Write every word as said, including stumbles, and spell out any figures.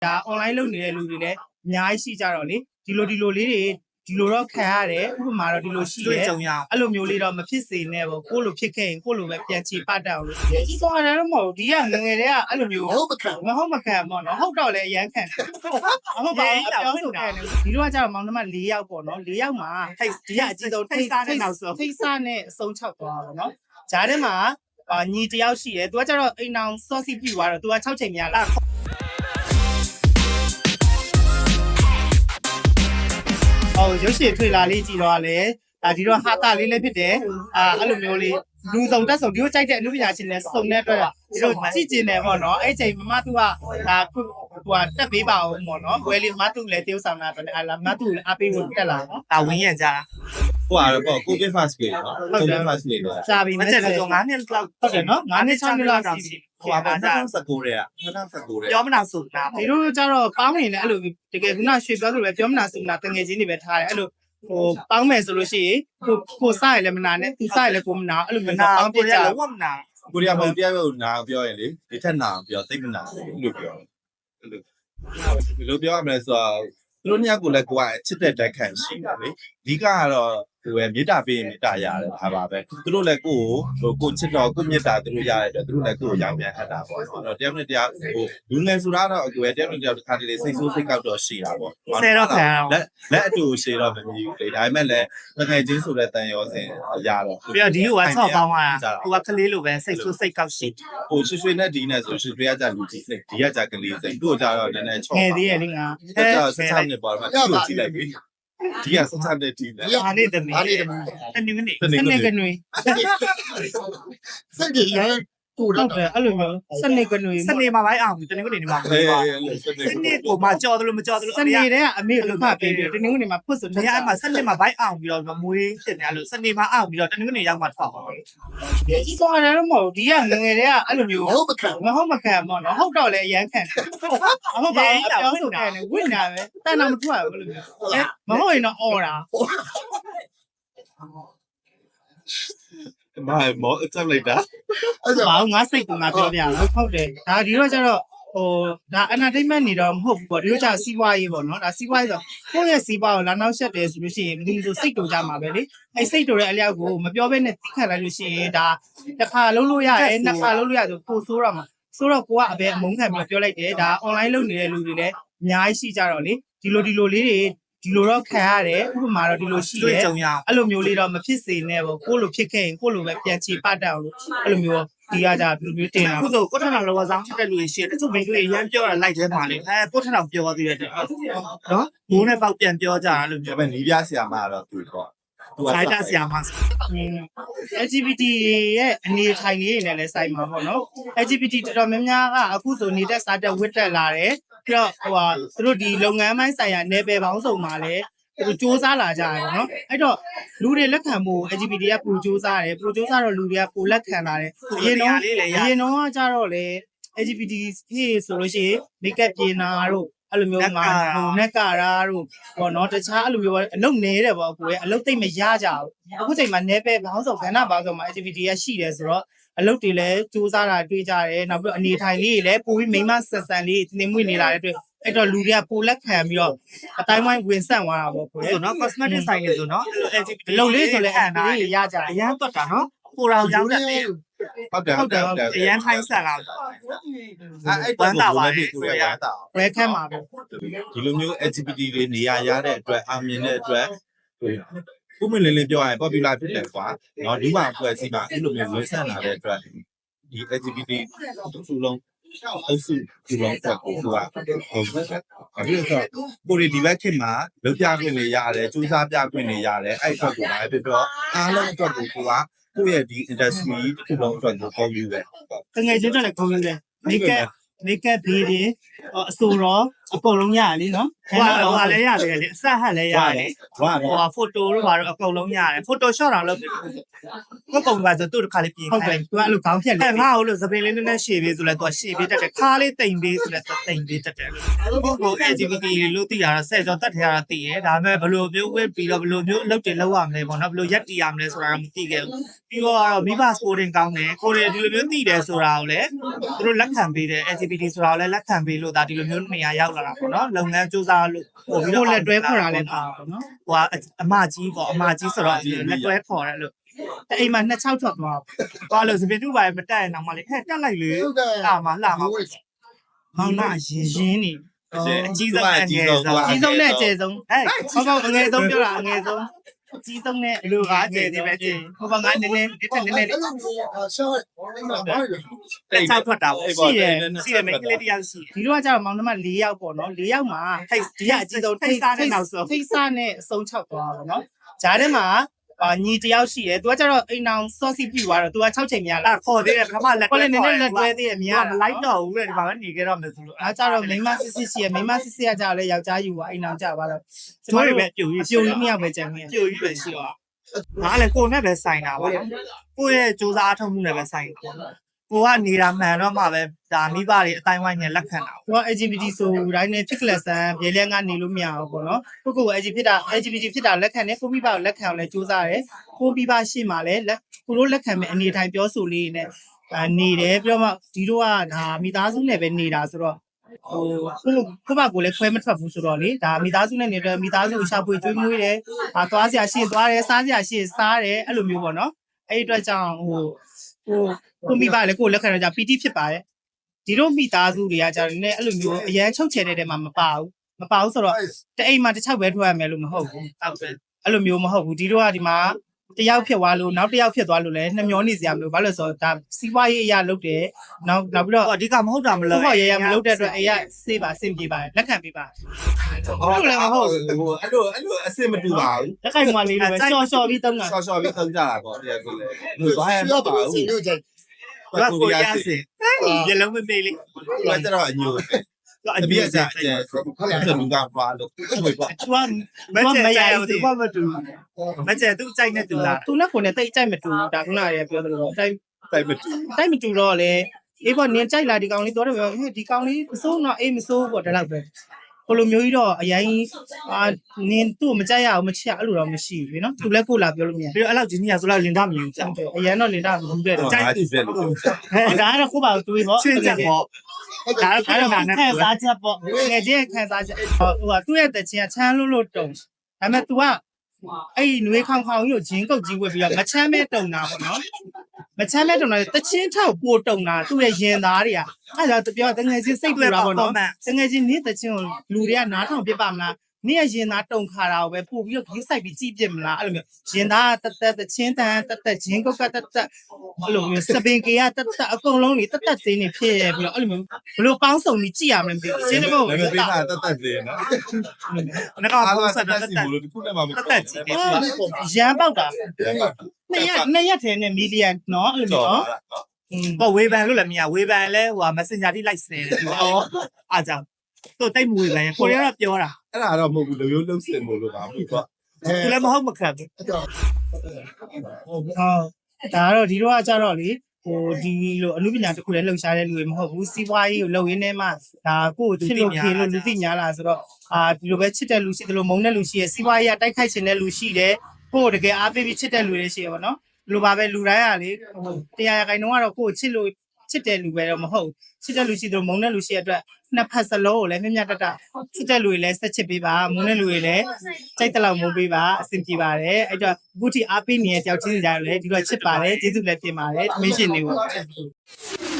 ဒါ online လုပ်နေတဲ့လူတွေလည်းအများကြီးရှိကြတော့လေဒီလိုဒီလိုလေးတွေဒီလိုတော့ခံရတယ်ဥပမာတော့ဒီလိုရှိတယ်အဲ့လိုမျိုးလေးတော့မဖြစ်စေနဲ့ပေါ့ကိုလိုဖြစ်ခဲ့ရင်ကိုလိုပဲပြန်ချေပတ်တတ်အောင်လို့စောရတယ်တော့မဟုတ်ဒီကငငယ်တွေကအဲ့လိုမျိုးဟုတ်မခံမဟုတ်မခံပေါ့နော်ဟုတ်တော့လည်းအရန်ခံဟုတ်ပါဘူးပြောဆိုတယ်ဒီလိုကကြတော့မောင်နှမ၄ယောက်ပေါ့နော်၄ယောက်မှာထိတ်ဒီကအကြီးဆုံးထိတ်စားနဲ့နောက်ဆုံးထိတ်စားနဲ့အဆုံး၆သွားပါတော့ဂျားထဲမှာညီတယောက်ရှိတယ်သူကကြတော့အိမ်အောင်စောစီပြူသွားတော့သူက၆ချိန်များလားဟိုရုပ်ရှင်ထွေလာလေးကြည့်တော့လေဒါဒီတော့ဟာတာလေးလည်းဖြစ်တယ်အာအဲ့လိုမျိုးလေးလူစုံတက်စုံဒီလိုကြိုက်တဲ့အမှုပညာရှင်တွေစုံတဲ့အတွက်ဒီလိုကြည့်ကျင်တယ်ပေါ့နော်အဲ့ချိန်မမသူကဒါဟိုကတက်ပေးပါအောင်ပေါ့နော်ဝယ်လေးမသူလည်းတေးဥဆောင်တာတော့အာလာမသူလည်းအပေးဖို့တက်လာနော်ဒါဝင်းရံကြတာဟိုကတော့ပေါ့ကိုဗစ် first wave နော်ကိုဗစ် first wave တော့စာပြီးမတက်ဆို၅နှစ်လောက်ဟုတ်တယ်နော်၅နှစ်၆နှစ်လောက်ရှိဟိုပါ၂၀၁၉တဲ့က၂၀၁၉တဲ့ပြောမနာဆိုတာဒီလိုကြတော့ပေါင်းနေတယ်အဲ့လိုတကယ်ခုနရွှေပြောသလိုပဲပြောမနာဆိုတာတငယ်ချင်းတွေပဲထားတယ်အဲ့လိုဟိုပေါင်းမယ်ဆိုလို့ရှိရင်ကိုကိုစားရလည်းမနာနဲ့သူစားရလည်းကိုမနာအဲ့လိုမျိုးပေါင်းပြကြလုံးဝမနာကိုရီးယားမှာတရားရုံနာပြောရင်လေဒီထက်နာပြောသိမနာဘူးလို့ပြောအဲ့လိုဒီလိုပြောရမယ်ဆိုတော့သူတို့ညကလည်းကိုကချစ်တဲ့တက်ခံရှိတယ်လေအဓိကကတော့ဟိုပဲမေတ္တာပေးရင်မေတ္တာရတယ်ဒါပါပဲသူတို့လည်းကိုကိုဟိုကိုချစ်တော်ကိုမေတ္တာသူတို့ရတဲ့အတွက်သူတို့လည်းကိုကိုရောင်းပြန်ဟတ်တာပေါ့နော်အဲ့တော့တရားနဲ့တရားဟိုလူငယ်ဆိုတာတော့ကိုယ်တရားနဲ့တရားတစ်ခါတလေစိတ်ဆိုးစိတ်ကောက်တော့ရှိတာပေါ့ဆယ်တော့ခံလက်လက်အတူရှိတော့မမြည်ဘူးလေဒါပေမဲ့လည်းငယ်ချင်းဆိုတဲ့တန်ရောစင်ရတော့ပြီးတော့ဒီက၆ပေါင်းอ่ะဟိုကကလေးလိုပဲစိတ်ဆိုးစိတ်ကောက်ရှိဟိုရွှေရွှေနဲ့ဒီနဲ့ဆိုရွှေရွှေကကြလူကြီးစိတ်ဒီကကြကလေးစိတ်သူ့ကြတော့နည်းနည်းချော့ငယ်သေးရဲ့လေငါအဲ့တော့ဆက်ချနေပါတော့သူ့ကိုကြည့်လိုက်ပြီဒီကဆက်ချတဲ့ဒီနဲ့အားလေးတမီးအားလေးတမီးတနင်္ဂနွေစနေကနွေစနေရကိုဟုတ်တယ်အဲ့လိုမျိုးစနေကနွေစနေမှာပဲအောင်တနင်္ဂနွေနေမှာပဲစနေကိုမှကြော်တယ်လို့မကြော်တယ်လို့စနေတဲ့အမေလို့ဖတ်ပြီးတနင်္ဂနွေမှာဖွတ်ဆိုနေရာမှာစနေမှာဘိုက်အောင်ပြီးတော့မွေးတင်တယ်လို့စနေမှာအောင်ပြီးတော့တနင်္ဂနွေရောက်မှထောက်ပါစောရတယ်တော့မဟုတ်ဒီကငငယ်တွေကအဲ့လိုမျိုးဟုတ်မခံမဟုတ်မခံပေါ့နော်ဟုတ်တော့လည်းအရန်ခံဟုတ်ပါဘူးပြောဆိုတယ်ဝိညာပဲတန်တာမထွက်ဘူးလို့မျိုးမဟုတ်ရင်တော့អော်တာမမောအချက်လိုက်တာအဲ့ဒါဘာငါစိတ်ကငါပြောပြတာဟုတ်တယ်ဒါဒီတော့ကျတော့ဟိုဒါ entertainment နေတော့မဟုတ်ဘူးပေါ့ဒီလိုကျစီးပွားရေးပေါ့နော်ဒါစီးပွားရေးဆိုကိုယ့်ရဲ့စီးပွားကိုလာနောက်ဆက်တယ်ဆိုလို့ရှိရင်ဒီလိုစိတ်တူကြမှာပဲလေအဲ့စိတ်တူတဲ့အလျောက်ကိုမပြောဘဲနဲ့သိခံလိုက်လို့ရှိရင်ဒါတစ်ခါလုံးလို့ရတယ်နှစ်ခါလုံးလို့ရဆိုပိုဆိုးတော့မှာဆိုတော့ကိုကအဘယ်အမုန်းခံပြီးပြောလိုက်တယ်ဒါ online လုပ်နေတဲ့လူတွေလည်းအများကြီးရှိကြတော့လေဒီလိုဒီလိုလေးတွေဒီလိုတော့ခံရတယ်ဥပမာတော့ဒီလိုရှိတယ်အဲ့လိုမျိုးလေးတော့မဖြစ်စေနဲ့ပေါ့ကိုလိုဖြစ်ခဲ့ရင်ကိုလိုပဲပြန်ချေပတ်တတ်အောင်လို့အဲ့လိုမျိုးဒီကကြဒီလိုမျိုးတင်တာခုဆိုကိုထထောင်လောဆောင်ဖြစ်တဲ့လူတွေရှိတယ်တချို့မိန်းကလေးရမ်းပြောတာလိုက်ထဲမှာလေအဲကိုထထောင်ပြောသေးတယ်နော်မိုးနဲ့ပေါက်ပြန်ပြောကြတာလို့ပြောပဲနီးပြဆရာမကတော့သူတော့သူကဆိုင်တာဆရာမ L G B T ရဲ့အနေထိုင်လေးတွေနဲ့လည်းဆိုင်မှာပေါ့နော် L G B T တော်တော်များများကအခုဆိုနေတဲ့စာတက်ဝတ်တက်လာတယ်ပြီးတော့ဟိုဟာသူတို့ဒီလုပ်ငန်းပိုင်းဆိုင်ရာနယ်ပယ်ပေါင်းစုံမှာလည်းသူစူးစမ်းလာကြတယ်နော်အဲ့တော့လူတွေလက်ခံဖို့ L G B T ကပူစူးစမ်းတယ်ပူစူးစမ်းတော့လူတွေကပိုလက်ခံလာတယ်အရင်တော့အရင်တော့ကကြတော့လေ L G B T ဖြစ်ဆိုလို့ရှိရင် make up ပြင်တာတို့အဲ့လိုမျိုးငါဟိုနဲ့ကာရာတို့ပေါ့နော်တခြားအဲ့လိုမျိုးအလုပ်နေတယ်ပေါ့ကိုယ်ကအလုပ်သိမ့်မရကြဘူးအခုချိန်မှာနယ်ပယ်ပေါင်းစုံခန္ဓာပေါင်းစုံမှာ L G B T ကရှိတယ်ဆိုတော့အလုပ်တွေလည်းစူးစမ်းတာတွေ့ကြတယ်နောက်ပြီးအနေထိုင်လေးတွေလည်းပိုပြီးမိမဆက်ဆံလေးတင်မွေ့နေလာတဲ့အတွက်အဲ့တော့လူတွေကပိုလက်ခံပြီးတော့အတိုင်းဝိုင်းဝင်ဆက်သွားတာပေါ့ကိုယ်ဆိုနော် cosmetic ဆိုင်တွေဆိုနော် L G B T အလုပ်လေးဆိုလည်းအဲ့ဒါရကြအရန်တွက်တာနော်ကိုရောင်ရောင်းတဲ့ဟုတ်တယ်ဟုတ်တယ်ဟုတ်တယ်အရန်ထိုင်းဆက်လာအဲ့အဲ့တော့ဘာလဲကိုရရတာဝဲခမ်းပါပဲဒီလိုမျိုး L G B T တွေနေရာရတဲ့အတွက်အာမြင်တဲ့အတွက်ဟိုဥမလင်းလင်းပြောရရင် popular ဖြစ်တယ်ကွာเนาะဒီမှာအဖွဲ့အစည်းမှာအဲ့လိုမျိုးဝင်ဆက်လာတဲ့အတွက်ဒီ L G B T သူလုံးအစုဒီလုံးတက်ကိုသူကဟုတ်ကဲ့အဲ့ဒါဆိုကိုရီဒီဘက်ခေတ်မှာလောက်ပြခွင့်တွေရတယ်စူးစမ်းပြခွင့်တွေရတယ်အဲ့အတွက်ကိုလည်းဖြစ်တော့အားလုံးအတွက်ကိုကိုကကိုယ့်ရဲ့ဒီ industry တစ်ခုလုံးအတွက်ကိုကောင်းယူတယ်တကယ်ချင်းတော့လည်းကောင်းယူတယ် make up make up ဘေးတွေအဆိုတော့အကုန်လုံးရတယ်လीနော်ဟိုကဟိုကလည်းရတယ်လေအဆက်ဟက်လည်းရတယ်ဝါဟိုကဖိုတိုတို့ဘာလို့အကုန်လုံးရတယ်ဖိုတိုရှော့တာလို့ကိုပုံပါဆိုသူ့တစ်ခါလေးပြင်ဟုတ်တယ်သူကအဲ့လိုခေါင်းဖြတ်လေအဲ့ငါ့ကိုလို့သပင်လေးနည်းနည်းရှည်ပေးဆိုလဲသူကရှည်ပေးတတ်တယ်ခါလေးတိမ်ပေးဆိုလဲသူတိမ်ပေးတတ်တယ်လို့ကိုကို L G B T လို့သိရတာဆယ်ကျော်တတ်ထရတာသိရဲဒါပေမဲ့ဘယ်လိုမျိုးဝစ်ပြီးတော့ဘယ်လိုမျိုးအလုပ်တွေလုပ်ရမလဲပေါ့နော်ဘယ်လိုရက်တည်ရမလဲဆိုတာတော့မသိခဲ့ဘူးပြီးတော့မိဘ sporting ကောင်းတယ်ကိုရီဒီလိုမျိုးသိတယ်ဆိုတာကိုလည်းသူတို့လက်ခံပေးတယ် L G B T ဆိုတာကိုလည်းလက်ခံပေးလို့ဒါဒီလိုမျိုးနေရာရောက်လာတာပေါ့နော်လုပ်ငန်းစူးစမ်းလို့ပို့ပြီးကိုတော့လက်တွဲခေါ်တာလည်းပါပေါ့နော်ဟိုကအမကြီးပေါ့အမကြီးဆိုတော့လက်တွဲခေါ်တယ်လို့တအိမ်မှာနှစ်ချောက်ထွက်သွားသွားလို့စပင်တူပါမတက်ရင်တော့မလေးဟဲ့တက်လိုက်လေဟုတ်တယ်လာမလာမမောင်မရင်ရင်းနေအကြီးဆုံးအငယ်ဆုံးအကြီးဆုံးနဲ့အကျယ်ဆုံးဟဲ့ဟုတ်ကောအငယ်ဆုံးပြောတာအငယ်ဆုံးအကြီးဆုံးနဲ့လူကားကျယ်ဒီပဲကျယ်ဟိုဘငါနည်းနည်းဒီထက်နည်းနည်းအဲ့လိုမျိုးအဆောက်ဘာလဲတက်ချောက်ထွက်တာပေါ့ရှိတယ်ရှိတယ်မိန်းကလေးတယောက်ရှိတယ်ဒီလိုကကျတော့မောင်နှမ၄ယောက်ပေါ့နော်၄ယောက်မှာထိတ်ဒီကအကြီးဆုံးထိတ်စားနဲ့နောက်ဆုံးထိတ်စားနဲ့အဆုံးချောက်သွားပါတော့ဂျားထဲမှာအာညီတယောက်ရှိတယ်သူကကျတော့အိမ်အောင်စောစီပြူသွားတော့သူက၆ချိန်များလာအဲ့ခေါ်သေးတယ်ပထမလက်ကိုလည်းနည်းနည်းလက်တွဲသေးတယ်မြင်ရမလိုက်တော့ဘူးလေဒီမှာပဲနေကြတော့မယ်ဆိုလို့အားကြတော့မိန်းမစစ်စစ်ရှိရမိန်းမစစ်စစ်ကကြတော့လေယောက်ျားယူပါအိမ်အောင်ကြပါတော့ကျမတို့တို့ပဲပြူကြီးပြိုကြီးမြောက်ပဲကြံခဲ့ပြူကြီးပဲရှိတော့ငါလည်းကိုနဲ့ပဲဆိုင်တာပါကိုရဲ့စူးစမ်းအထောက်မှုနဲ့ပဲဆိုင်တယ်ကိုကနေတာမှန်တော့မှပဲဒါမိဘတွေအတိုင်းဝိုင်းနဲ့လက်ခံတာသူက L G B T ဆိုတိုင်းနဲ့ဖြစ်ကလဆန်ပြေလဲကနေလို့မရဘူးပေါ့နော်ကိုကို L G ဖြစ်တာ L G B T ဖြစ်တာလက်ခံတယ်ကိုမိဘကိုလက်ခံအောင်လဲစူးစမ်းတယ်ကိုမိဘရှေ့မှာလဲလက်ကိုတို့လက်ခံမဲ့အနေထိုင်ပြောဆိုလေးနဲ့အာနေတယ်ပြီးတော့မှဒီတို့ကဒါမိသားစုနဲ့ပဲနေတာဆိုတော့ဟိုကိုကိုဘကိုလည်းခွဲမထွက်ဘူးဆိုတော့လေဒါမိသားစုနဲ့နေတဲ့မိသားစုကိုရှာဖွေကျွေးမွေးတယ်အာသွားစရာရှိရင်သွားတယ်စားစရာရှိရင်စားတယ်အဲ့လိုမျိုးပေါ့နော်အဲ့ဒီအတွက်ကြောင့်ဟိုဟိုကိုမိဘလည်းကိုလက်ခံတော့じゃပီတိဖြစ်ပါတယ်ဒီတို့မိသားစုတွေကကြာနေအဲ့လိုမျိုးအရန်ချုပ်ချယ်တဲ့တဲမှာမပါဘူးမပါဘူးဆိုတော့တအိမ်မှာတစ်ချောက်ပဲထွက်ရမယ်လို့မဟုတ်ဘူးဟုတ်တယ်အဲ့လိုမျိုးမဟုတ်ဘူးဒီတို့ကဒီမှာတယောက်ဖြစ်သွားလို့နောက်တစ်ယောက်ဖြစ်သွားလို့လည်းနှမျောနေစရာမလိုဘာလို့လဲဆိုတော့ဒါစီးပွားရေးအရာလုပ်တယ်နောက်နောက်ပြီးတော့အဓိကမဟုတ်တာမလို့ဟုတ်ရရမလုပ်တဲ့အတွက်အေးရစေးပါစင်ပြေပါတယ်လက်ခံပေးပါဟုတ်လည်းမဟုတ်ဘူးအဲ့လိုအဲ့လိုအစ်စ်မတူပါဘူးလက်ခိုင်မလေးလိုပဲရှော့ရှော့ပြီးတုံးတာဆော့ဆော့ပြီးသုံးကြတာပေါ့တရားကိုလည်းလူသွားရရှိမှာတော့ပါပါဘူးစီလို့ကြိုက်ဘာကိုရစေရေလုံးမပေးလေဘာကြတော့အညို့အအပြပြည့်ည့်စစက်က်ကျဲဆိုလူကပါလို့ဟုတ်ပါသူကမကျဲကျဲသူကမတူမကျဲသူကြိုက်နေသူလားသူနဲ့ကိုနဲ့တိတ်ကြိုက်မတူဘူးဒါခုနကရေပြောသလိုတိုက်တိုက်မတူတိုက်မတူတော့လေအေးပေါ့နင်ကြိုက်လာဒီကောင်လေးတော့တယ်ပြောဟဲ့ဒီကောင်လေးမစိုးတော့အေးမစိုးပေါ့ဒါတော့ပဲကိုလိုမျိုးကြီးတော့အရင်အာနင်သူ့မကြိုက်ရအောင်မချအဲ့လိုတော့မရှိဘူးနော်သူလည်းကိုလာပြောလို့မရပြီးတော့အဲ့လောက်ကြီးကြီးဆိုတော့လင်တာမြင်ကြဟုတ်တယ်အရင်တော့လင်တာမဟုတ်တဲ့တော့ကြိုက်အားကြီးပဲလို့ဒါကတော့ကိုပါတွေးပေါ့ချင်းချက်ပေါ့ဒါတော့ခံစားချက်ပေါ့ငယ်ချင်းခံစားချက်ဟိုကသူ့ရဲ့တချင်ကချမ်းလို့လို့တုံဒါပေမဲ့ तू ကအဲ့နွေးခေါင်ခေါင်ကြီးကိုဂျင်းကုတ်ကြီးဝက်ပြီးတော့မချမ်းမဲတုံတာပေါ့နော်မချမ်းမဲတုံတာတချင်းထောက်ပို့တုံတာသူ့ရဲ့ရင်သားတွေကအဲ့ဒါသူပြောတငယ်ချင်းစိတ်ပူတာပေါ့နော်တငယ်ချင်းနေ့တချင်းကိုလူတွေကနားထောင်ပြပါမလားနေ့ရဲ့ရင်သားတုံခါတာကိုပဲပို့ပြီးတော့ဂိမ်းဆိုင်ပြီးကြည့်ပြစ်မလားအဲ့လိုမျိုးရင်သားတက်တက်တချင်းတန်တက်တက်ဂျင်းကုတ်ကတက်တက်အဲ့လိုမျိုးစပင်ကေကတက်တက်အကုန်လုံးနေတက်တက်သေးနေဖြစ်ရပြီးတော့အဲ့လိုမျိုးဘလို့ပေါင်းစုံပြီးကြည့်ရမလဲမသိဘူးရှင်းတယ်မို့လည်းမပေးတာတတ်တတ်သေးနော်ငါကအားပုံလုံးစံတတ်တက်စီတက်ဘူးလို့ဒီခုနဲ့မှမတက်တက်ကြည့်တယ်ရမ်းပေါက်တာနှစ်ရက်နှစ်ရက်ထဲနဲ့မီလီယံနော်အဲ့လိုမျိုးနော်อืมပေါ့ဝေးပန်လို့လည်းမရဝေးပန်လဲဟို Messenger ထိလိုက်စတယ်သူအော်အားကြောင့်သူတိတ်မဝေးပန်ကိုရီးယားကပြောတာအဲ့ဒါတော့မဟုတ်ဘူးလူမျိုးလုံးစင်မို့လို့ပါဘူးပေါ့သူလည်းမဟုတ်မခတ်ဘူးအဲ့တော့ဟုတ်ဒါကတော့ဒီတော့ကကြတော့လေဟိုဒီလိုအမှုပညာတစ်ခုလည်းလှုပ်ရှားတဲ့လူတွေမဟုတ်ဘူးစီးပွားရေးကိုလှုပ်ရင်းနဲ့မှဒါကိုယ့်ကိုချစ်လို့ခေလို့လူသိညာလားဆိုတော့အာဒီလိုပဲချစ်တဲ့လူရှိတယ်လို့မုန်းတဲ့လူရှိရစီးပွားရေးကတိုက်ခိုက်ခြင်းတဲ့လူရှိတယ်ကိုယ့်ကိုတကယ်အားပေးပြီးချစ်တဲ့လူတွေရှိရပါတော့ဒီလိုပါပဲလူတိုင်းကလေဟိုတရားရခိုင်နှုန်းကတော့ကိုယ့်ကိုချစ်လို့ချစ်တဲ့လူပဲတော့မဟုတ်ချစ်တဲ့လူရှိတယ်လို့မုန်းတဲ့လူရှိရအတွက်နှစ်ဖက်စလုံးကိုလည်းမြတ်မြတ်တတချစ်တဲ့လူတွေလည်းဆက်ချစ်ပေးပါမုန်းတဲ့လူတွေလည်းကြိုက်တဲ့လောက်မုန်းပေးပါအဆင်ပြေပါတယ်အဲ့တော့အခုထိအားပေးနေတဲ့တယောက်ချင်းစီကြတယ်လေဒီတော့ချစ်ပါတယ်ကျေးဇူးလည်းပြင်ပါတယ်မင်းရှင်တွေကို